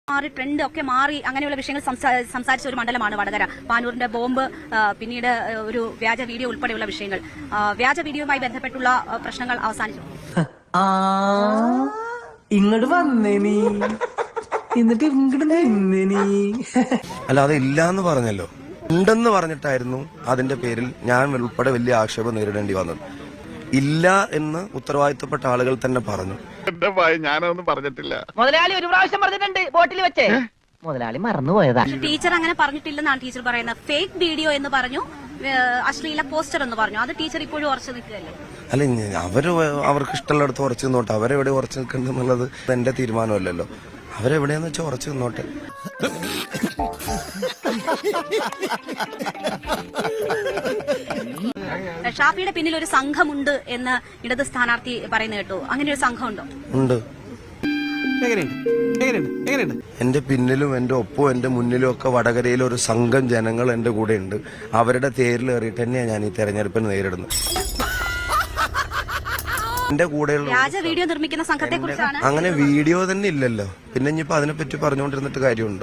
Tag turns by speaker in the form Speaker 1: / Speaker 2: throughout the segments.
Speaker 1: മാറി ട്രെൻഡ് ഒക്കെ മാറി അങ്ങനെയുള്ള വിഷയങ്ങൾ സംസാരിച്ച ഒരു മണ്ഡലമാണ് വടകര. പാനൂരിന്റെ ബോംബ്, പിന്നീട് ഒരു വ്യാജ വീഡിയോ ഉൾപ്പെടെയുള്ള വിഷയങ്ങൾ, വ്യാജ വീഡിയോയുമായി ബന്ധപ്പെട്ടുള്ള പ്രശ്നങ്ങൾ അവസാനിച്ചു.
Speaker 2: ഇങ്ങോട്ട് വന്നേ നീ, എന്നിട്ട് ഇങ്ങോട്ട് നിന്നേ നീ.
Speaker 3: അല്ലാതെ ഇല്ലാന്ന് പറഞ്ഞല്ലോ, ഉണ്ടെന്ന് പറഞ്ഞിട്ടായിരുന്നു അതിന്റെ പേരിൽ ഞാൻ ഉൾപ്പെടെ വലിയ ആക്ഷേപം നേരിടേണ്ടി വന്നത്. ഇല്ല എന്ന് ഉത്തരവാദിത്തപ്പെട്ട ആളുകൾ തന്നെ പറഞ്ഞു.
Speaker 4: ഞാനൊന്നും പറഞ്ഞിട്ടില്ല.
Speaker 5: മുതലാളി ഒരു പ്രാവശ്യം പറഞ്ഞിട്ടുണ്ട് ബോട്ടിൽ വെച്ചേ, മുതലാളി മറന്നുപോയതാ.
Speaker 1: ടീച്ചർ അങ്ങനെ പറഞ്ഞിട്ടില്ലെന്നാണ് ടീച്ചർ പറയുന്നത്. ഫേക്ക് വീഡിയോ എന്ന് പറഞ്ഞു, അശ്ലീല പോസ്റ്റർ എന്ന് പറഞ്ഞു. അത് ടീച്ചർ ഇപ്പോഴും ഉറച്ചു നിൽക്കുകയല്ലേ?
Speaker 3: അല്ല, അവർക്ക് ഇഷ്ടമുള്ളിടത്ത് ഉറച്ചു നിന്നോട്ടെ. അവരെവിടെ ഉറച്ചു നിൽക്കുന്നുള്ളത് എന്റെ തീരുമാനമല്ലല്ലോ. അവരെവിടെയാന്ന് വെച്ചാൽ ഉറച്ചു നിന്നോട്ടെ.
Speaker 1: ഷാഫിയുടെ പിന്നിൽ ഒരു സംഘമുണ്ട് എന്ന് ഇടത് സ്ഥാനാർത്ഥി പറയുന്ന കേട്ടു. അങ്ങനെ ഒരു സംഘമുണ്ടോ?
Speaker 3: ഉണ്ട്. എന്റെ പിന്നിലും എന്റെ ഒപ്പവും എന്റെ മുന്നിലും ഒക്കെ വടകരയിൽ ഒരു സംഘം ജനങ്ങൾ എന്റെ കൂടെ ഉണ്ട്. അവരുടെ തേരിൽ കയറിയിട്ട് തന്നെയാണ് ഞാൻ ഈ തെരഞ്ഞെടുപ്പിന് നേരിടുന്നത്. എന്റെ കൂടെയുള്ള
Speaker 1: വ്യാജ വീഡിയോ നിർമ്മിക്കുന്ന സംഘത്തെ കുറിച്ചാണ്.
Speaker 3: അങ്ങനെ വീഡിയോ തന്നെ ഇല്ലല്ലോ, പിന്നെ ഇനിയിപ്പോ അതിനെപ്പറ്റി പറഞ്ഞുകൊണ്ടിരുന്നിട്ട് കാര്യമുണ്ടോ?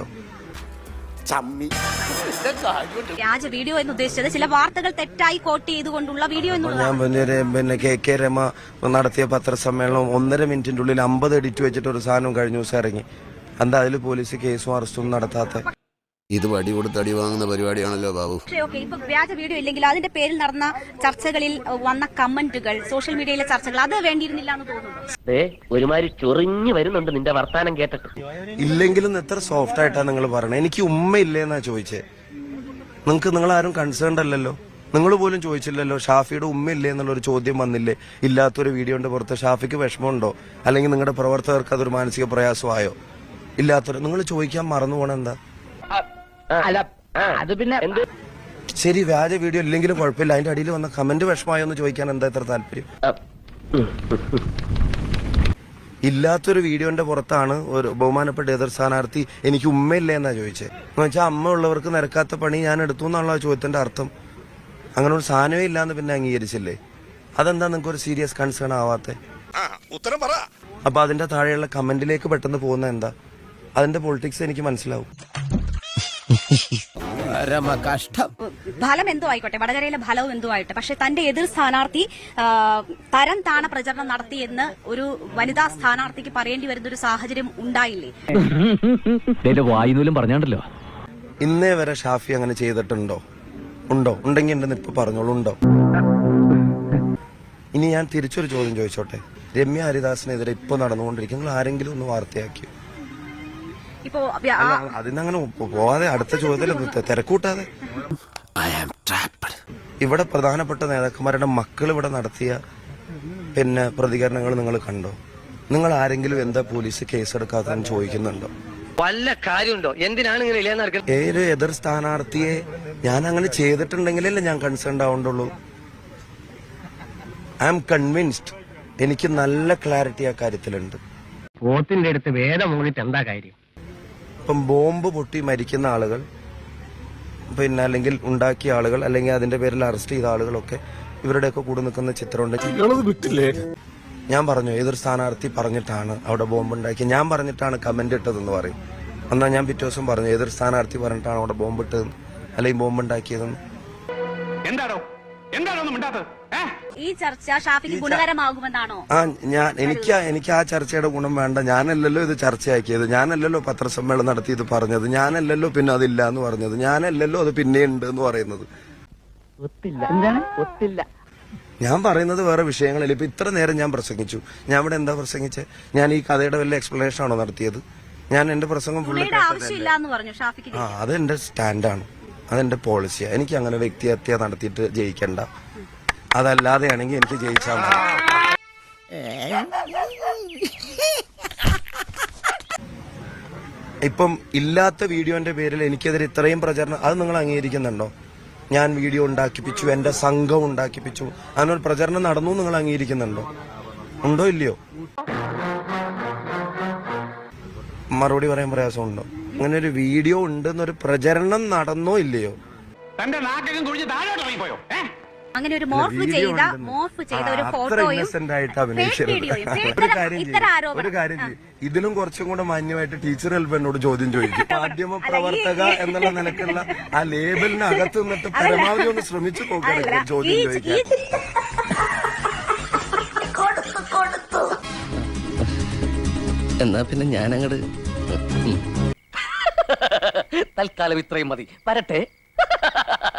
Speaker 1: വ്യാജ വീഡിയോ എന്ന് ഉദ്ദേശിച്ചത് ചില വാർത്തകൾ തെറ്റായി കോട്ട് ചെയ്തുകൊണ്ടുള്ള വീഡിയോ എന്നുള്ളത്.
Speaker 3: ഞാൻ പിന്നെ കെ രമ നടത്തിയ പത്രസമ്മേളനം 1.5 മിനിറ്റിന്റെ ഉള്ളിൽ 50 എഡിറ്റ് വെച്ചിട്ട് ഒരു സാധനം കഴിഞ്ഞ ദിവസം ഇറങ്ങി. എന്താ അതിൽ പോലീസ് കേസും അറസ്റ്റും നടത്താത്ത?
Speaker 6: ഇത് വടി കൊടുത്ത് അടി വാങ്ങുന്ന പരിപാടിയാണല്ലോ ബാബു.
Speaker 1: ഇപ്പൊ വ്യാജ വീഡിയോ ഇല്ലെങ്കിൽ അതിന്റെ പേരിൽ നടന്ന ചർച്ചകളിൽ വന്ന കമന്റുകൾ, സോഷ്യൽ മീഡിയയിലെ ചർച്ചകൾ, അത് വേണ്ടിയിരുന്നില്ല എന്ന് തോന്നുന്നു.
Speaker 5: ഒരുമാതിരി ചൊറിഞ്ഞു വരുന്നുണ്ട് നിന്റെ വർത്താനം കേട്ടിട്ട്.
Speaker 3: ഇല്ലെങ്കിലും എത്ര സോഫ്റ്റ് ആയിട്ടാണ് നിങ്ങൾ പറയണത്. എനിക്ക് ഉമ്മയില്ലേന്നാ ചോദിച്ചേ. നിങ്ങൾ ആരും കൺസേൺഡ് അല്ലല്ലോ. നിങ്ങൾ പോലും ചോദിച്ചില്ലല്ലോ ഷാഫിയുടെ ഉമ്മയില്ലേ എന്നുള്ളൊരു ചോദ്യം വന്നില്ലേ? ഇല്ലാത്തൊരു വീഡിയോന്റെ പുറത്ത് ഷാഫിക്ക് വിഷമമുണ്ടോ, അല്ലെങ്കിൽ നിങ്ങളുടെ പ്രവർത്തകർക്ക് അതൊരു മാനസിക പ്രയാസമായോ? ഇല്ലാത്തൊരു നിങ്ങൾ ചോദിക്കാൻ മറന്നു പോണ എന്താ?
Speaker 5: അല്ല അത് പിന്നെ
Speaker 3: ശരി, വ്യാജ വീഡിയോ ഇല്ലെങ്കിലും കുഴപ്പമില്ല, അതിന്റെ അടിയിൽ വന്ന കമന്റ് വിഷമമായോ എന്ന് ചോദിക്കാൻ എന്താ ഇത്ര താല്പര്യം? ഇല്ലാത്തൊരു വീഡിയോന്റെ പുറത്താണ് ഒരു ബഹുമാനപ്പെട്ട എതിർ സ്ഥാനാർത്ഥി എനിക്ക് ഉമ്മയില്ലേ എന്നാ ചോദിച്ചത്. എന്ന് വെച്ചാൽ അമ്മ ഉള്ളവർക്ക് നിരക്കാത്ത പണി ഞാൻ എടുത്തു എന്നുള്ള ചോദ്യത്തിന്റെ അർത്ഥം. അങ്ങനെ ഒരു സാധനമേ ഇല്ലാന്ന് പിന്നെ അംഗീകരിച്ചില്ലേ? അതെന്താ നിങ്ങൾക്ക് ഒരു സീരിയസ് കൺസേൺ ആവാത്തെ?
Speaker 4: ഉത്തരം പറ.
Speaker 3: അപ്പൊ അതിന്റെ താഴെയുള്ള കമന്റിലേക്ക് പെട്ടെന്ന് പോകുന്ന എന്താ? അതിന്റെ പൊളിറ്റിക്സ് എനിക്ക് മനസ്സിലാവും.
Speaker 1: ഫലം എന്തോ ആയിക്കോട്ടെ, വടകരയിലെ ഫലവും എന്തോ ആയിട്ടെ, പക്ഷെ തന്റെ എതിർ സ്ഥാനാർത്ഥി തരം താണ പ്രചരണം നടത്തിയെന്ന് ഒരു വനിതാ സ്ഥാനാർത്ഥിക്ക് പറയേണ്ടി വരുന്ന ഒരു സാഹചര്യം ഉണ്ടായില്ലേ?
Speaker 2: വായുനൂലും പറഞ്ഞാണ്ടല്ലോ.
Speaker 3: ഇന്നേ വരെ ഷാഫി അങ്ങനെ ചെയ്തിട്ടുണ്ടോ? ഉണ്ടോ? ഉണ്ടെങ്കിൽ എന്റെ ഇപ്പൊ പറഞ്ഞോളൂ, ഉണ്ടോ? ഇനി ഞാൻ തിരിച്ചൊരു ചോദ്യം ചോദിച്ചോട്ടെ. രമ്യ ഹരിദാസിനെതിരെ ഇപ്പൊ നടന്നുകൊണ്ടിരിക്കും, നിങ്ങൾ ആരെങ്കിലും ഒന്ന് വാർത്തയാക്കിയോ? അതിനങ്ങനെ പോവാതെ അടുത്ത ചോദ്യത്തിൽ തിരക്കൂട്ടാതെ. ഇവിടെ പ്രധാനപ്പെട്ട നേതാക്കന്മാരുടെ മക്കൾ ഇവിടെ നടത്തിയ പിന്നെ പ്രതികരണങ്ങൾ നിങ്ങൾ കണ്ടോ? നിങ്ങൾ ആരെങ്കിലും എന്താ പോലീസ് കേസെടുക്കാത്തതെന്ന് ചോദിക്കുന്നുണ്ടോ?
Speaker 5: വല്ല കാര്യമുണ്ടോ? എന്തിനാണ് ഇങ്ങനെ
Speaker 3: ഏതൊരു എതിർ സ്ഥാനാർത്ഥിയെ ഞാൻ അങ്ങനെ ചെയ്തിട്ടുണ്ടെങ്കിലല്ലേ ഞാൻ കൺസേൺ ആവണ്ടുള്ളൂ. I am convinced. എനിക്ക് നല്ല ക്ലാരിറ്റി ആ കാര്യത്തിലുണ്ട്.
Speaker 5: പോത്തിന്റെ അടുത്ത് വേദം മൂന്നിട്ട് എന്താ കാര്യം?
Speaker 3: ഇപ്പം ബോംബ് പൊട്ടി മരിക്കുന്ന ആളുകൾ, പിന്നെ അല്ലെങ്കിൽ ഉണ്ടാക്കിയ ആളുകൾ, അല്ലെങ്കിൽ അതിന്റെ പേരിൽ അറസ്റ്റ് ചെയ്ത ആളുകളൊക്കെ ഇവരുടെയൊക്കെ കൂടെ നിൽക്കുന്ന ചിത്രമുണ്ട്. ഞാൻ പറഞ്ഞു ഏതൊരു സ്ഥാനാർത്ഥി പറഞ്ഞിട്ടാണ് അവിടെ ബോംബ് ഉണ്ടാക്കി, ഞാൻ പറഞ്ഞിട്ടാണ് കമന്റ് ഇട്ടതെന്ന് പറയും. എന്നാൽ ഞാൻ പിറ്റേ ദിവസം പറഞ്ഞു ഏതൊരു സ്ഥാനാർത്ഥി പറഞ്ഞിട്ടാണ് അവിടെ ബോംബ് ഇട്ടതെന്ന്, അല്ലെങ്കിൽ ബോംബ് ഉണ്ടാക്കിയതെന്ന്.
Speaker 1: ഈ ചർച്ച ഷാഫിക്ക് ഗുണകരമാകുമെന്നാണോ?
Speaker 3: എനിക്ക് ആ ചർച്ചയുടെ ഗുണം വേണ്ട. ഞാനല്ലല്ലോ ഇത് ചർച്ചയാക്കിയത്, ഞാനല്ലല്ലോ പത്രസമ്മേളനം നടത്തി ഇത് പറഞ്ഞത്, ഞാനല്ലല്ലോ പിന്നെ അതില്ല എന്ന് പറഞ്ഞത്, ഞാനല്ലല്ലോ അത് പിന്നെ ഉണ്ട് എന്ന് പറയുന്നത്. ഞാൻ പറയുന്നത് വേറെ വിഷയങ്ങളിൽ. ഇപ്പൊ ഇത്ര നേരം ഞാൻ പ്രസംഗിച്ചു. ഞാൻ ഇവിടെ എന്താ പ്രസംഗിച്ചത്? ഞാൻ ഈ കഥയുടെ വല്ല എക്സ്പ്ലനേഷൻ ആണോ നടത്തിയത്? ഞാൻ എന്റെ പ്രസംഗം അത് എന്റെ സ്റ്റാൻഡാണ്, അതെന്റെ പോളിസിയാണ്. എനിക്ക് അങ്ങനെ വ്യക്തിഹത്യ നടത്തിയിട്ട് ജയിക്കണ്ട. അതല്ലാതെയാണെങ്കിൽ എനിക്ക് ജയിച്ചാൽ മതി. ഇപ്പം ഇല്ലാത്ത വീഡിയോന്റെ പേരിൽ എനിക്കെതിരെ ഇത്രയും പ്രചരണം, അത് നിങ്ങൾ അംഗീകരിക്കുന്നുണ്ടോ? ഞാൻ വീഡിയോ ഉണ്ടാക്കിപ്പിച്ചു, എന്റെ സംഘം ഉണ്ടാക്കിപ്പിച്ചു, അതിനൊരു പ്രചരണം നടന്നു നിങ്ങൾ അംഗീകരിക്കുന്നുണ്ടോ? ഉണ്ടോ ഇല്ലയോ? മറുപടി പറയാൻ പ്രയാസമുണ്ടോ? അങ്ങനെ ഒരു വീഡിയോ ഉണ്ടെന്നൊരു പ്രചരണം നടന്നോ ഇല്ലയോ?
Speaker 1: അങ്ങനെ ഒരു മോർഫ് ചെയ്ത ഒരു ഫോട്ടോയും
Speaker 3: ഇന്നസെന്റ് ആയിട്ട് അഭിനയിച്ചത്. ഒരു കാര്യം ഇതിലും കുറച്ചും കൂടെ മാന്യമായിട്ട് ടീച്ചർ ചിലപ്പോൾ എന്നോട് ചോദ്യം ചോദിക്കും. മാധ്യമ പ്രവർത്തക എന്നുള്ള നിലക്കുള്ള ആ ലേബലിന് അകത്ത് നിന്നിട്ട് പരമാവധി ഒന്ന് ശ്രമിച്ചു നോക്കണം ചോദ്യം ചോദിക്കാൻ.
Speaker 7: എന്നാ പിന്നെ ഞാനങ്ങട് തൽക്കാലം ഇത്രയും മതി. വരട്ടെ.